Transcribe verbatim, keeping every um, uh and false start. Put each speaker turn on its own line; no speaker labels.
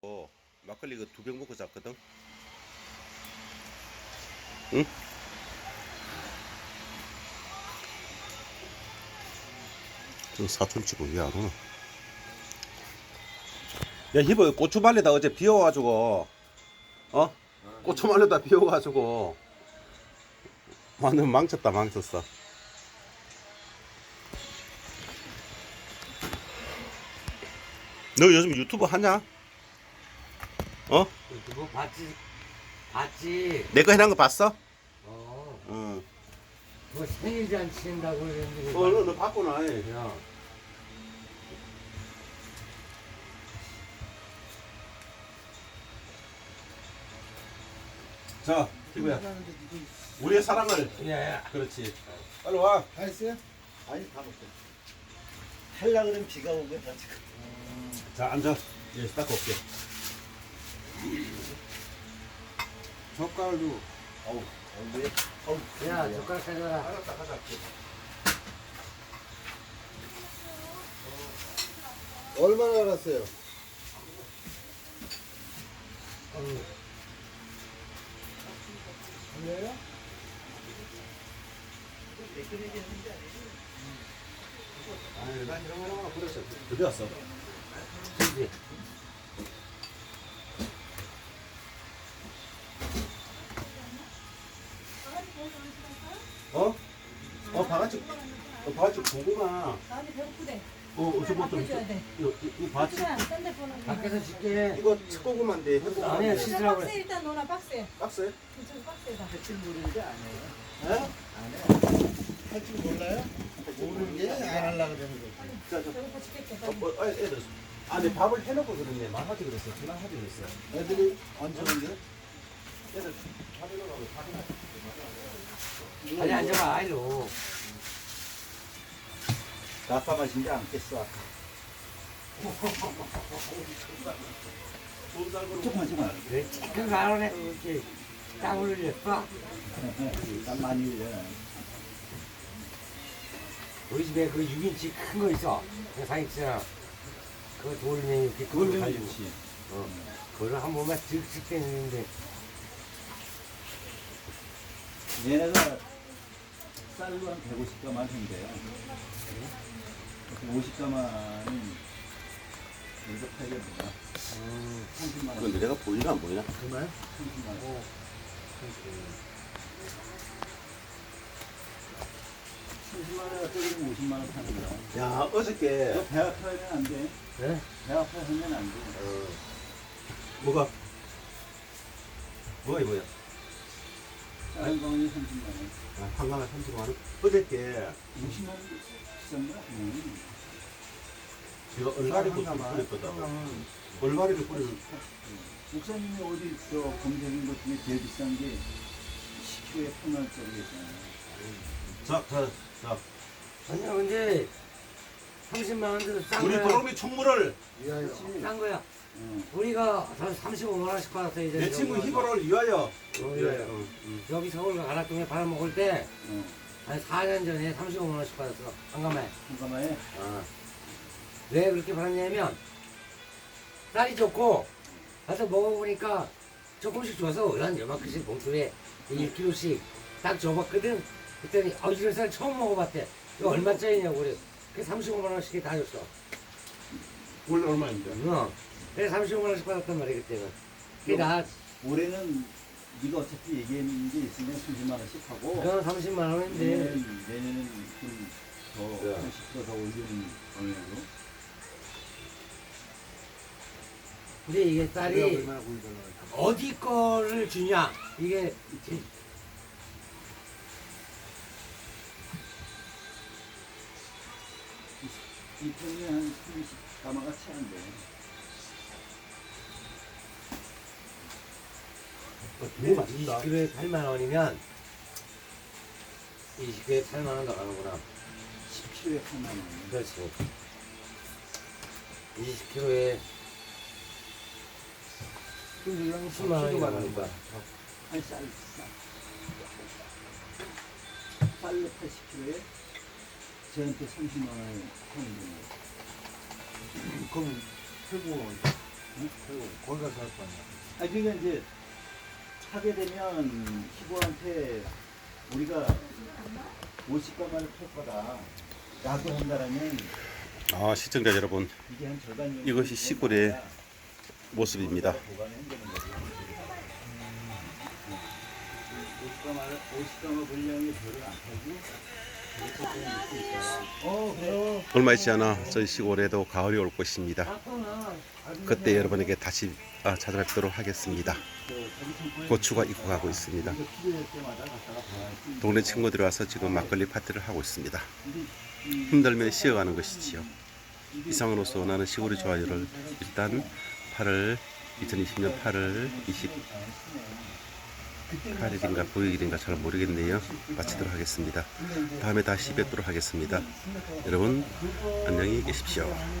어, 막걸리 그 두 병 먹고 잤거든. 응? 저 사촌 치고 왜 안 오나? 야, 희보 고추말리다 어제 비 와가지고, 어? 고추말리다 비 와가지고, 완전 망쳤다, 망쳤어. 너 요즘 유튜브 하냐? 어?
그거 봤지? 봤지?
내 거 해놓은 거 봤어?
어.
응.
그거 생일잔치 한다고 그랬는데.
어, 너, 너 봤구나.
야,
자, 희보야. 우리의 사랑을.
야,
그렇지. 빨리 와.
다 했어요? 아니 다 먹고. 할라 그러면 비가 오면 다 지금.
자, 앉아. 예, 닦고 올게.
젓갈도. 어우, 어우 왜? 어우.
야, 젓가락 가져와라.
알았다, 가자.
얼마나 알았어요?
어.
왜요?
아니, 난 이런 거 하나 그랬어. 어디 왔어?
그지?
어? 어, 바가지. 어, 바가지 고구마.
나한테 배고프대.
어, 어저 뭐 좀.
바꿔줘야 돼.
이거, 이 바지.
하지만 딴데 보는 거.
밖에서 줄게.
이거 칡고구마인데 해고구마.
아니야,
박스
씻으라고
박스에
그래.
일단 넣어놔 박스에.
박스에?
저기 박스에다.
할줄 모르는데 안 해요.
에?
안 해. 할줄 몰라요? 모르는 게 안 하려고 그러는 거지.
자, 저.
배고파 죽겠게.
어, 뭐, 아, 애들. 아, 내 밥을 해놓고 그랬네. 말하지 그랬어. 그만 하지 그랬어.
애들이 언제 온대?
애들 밥 해놓으라고 밥이
아니, 앉아봐, 아이로.
아빠 마신 게 않겠어 아까.
좋은 쌀으로.
조금만 조금만.
그래, 찌끈 가로네. 이렇게 땀을 흘렸어.
난 많이 흘려.
우리 집에 그 육 인치 큰 거 있어. 그 사있잖아. 그거 돌면 이렇게 그걸로 가지고. 어. 그걸 한 번만 쓱쓱 떼는데.
얘네가 쌀로 한 백오십 가만 한대요. 오십 가만은 여기서 팔게 뭐야?
음,
삼십만 원.
근데 내가 보이나 안 보이나?
정말? 삼십만 원. 삼십만 원에 떠들면 오십만 원 파는 거야.
야, 어저께.
너 배 아파하면 안 돼.
네?
배 아파하면 안 돼.
어, 뭐가? 뭐가 이거야?
다른 거는 삼십만 원.
아, 한강에 삼십만 원? 어저께
오십만 원 비싼 거야? 응.
제가 얼갈이를 뿌렸거든. 얼갈이를 뿌리는.
목사님이 어디 저 검색인 것 중에 제일 비싼 게 십 킬로에 팔만 원짜리 있잖아요.
자, 자, 자.
아니야, 근데 삼십만 원도 싼
우리
거야.
도롱이 총무를
싼 거야.
응.
우리가 한 삼십오만 원씩 받았어, 이제.
내 친구 희보를 위하여.
어, 예.
응, 응.
여기 서울 가락동에 밥 먹을 때,
응.
한 사 년 전에 삼십오만 원씩 받았어. 한가마에.
잠깐만요.
어. 왜 그렇게 받았냐면, 쌀이 좋고, 가서 먹어보니까 조금씩 줘서 한 요만큼씩 봉투에 일 킬로그램씩 딱 줘봤거든. 그랬더니, 어, 이런 쌀 처음 먹어봤대. 이거 얼마짜리냐고 그래. 그 삼십오만 원씩 다 줬어.
원래 얼마인데?
어. 그래서 삼십오만 원씩 받았단 말이야, 그때는. 그게 나,
올해는 네가 어차피 얘기했는 게 있으면 삼십만 원씩 하고
그건 삼십만 원인데.
내년은, 내년은 좀더
네.
한 십 퍼센트 더 올리는 방향으로.
근데 이게 쌀이 어디 거를 주냐? 이게
이 통에 한 삼십 가마가 차는데.
이십 킬로그램에 팔만 원이면 이십 킬로그램에 팔만 원 더 가는구나.
십 킬로에 팔만 원.
그렇지. 이십 킬로그램에 십만 원이 나가니까.
아니 쌀, 쌀. 쌀로 팔십 킬로에 저한테 삼십만 원에 파는 거예요.
그럼 최고
그리고 거기 가서 할 거 아니야. 아 그러니까 이제 하게 되면 시부한테 우리가 오십 가마를 팔 거다. 라고 한다라면
아, 시청자 여러분,
이게 한 절반 정도
이것이 시골의 모습입니다.
보관을 한다는 거죠. 오십 가마를 오십 가마 분량의 벼를 안 팔고 어 그래요.
얼마 있지 않아 저희 시골에도 가을이 올 것입니다. 그때 여러분에게 다시 아, 찾아뵙도록 하겠습니다. 고추가 익고 가고 있습니다. 동네 친구들이 와서 지금 막걸리 파티를 하고 있습니다. 힘들면 쉬어가는 것이지요. 이상으로서 나는 시골이 좋아요를 일단 팔월 이천이십 년 팔월 이십팔 일인가 구 일인가 잘 모르겠네요. 마치도록 하겠습니다. 다음에 다시 뵙도록 하겠습니다. 여러분 안녕히 계십시오.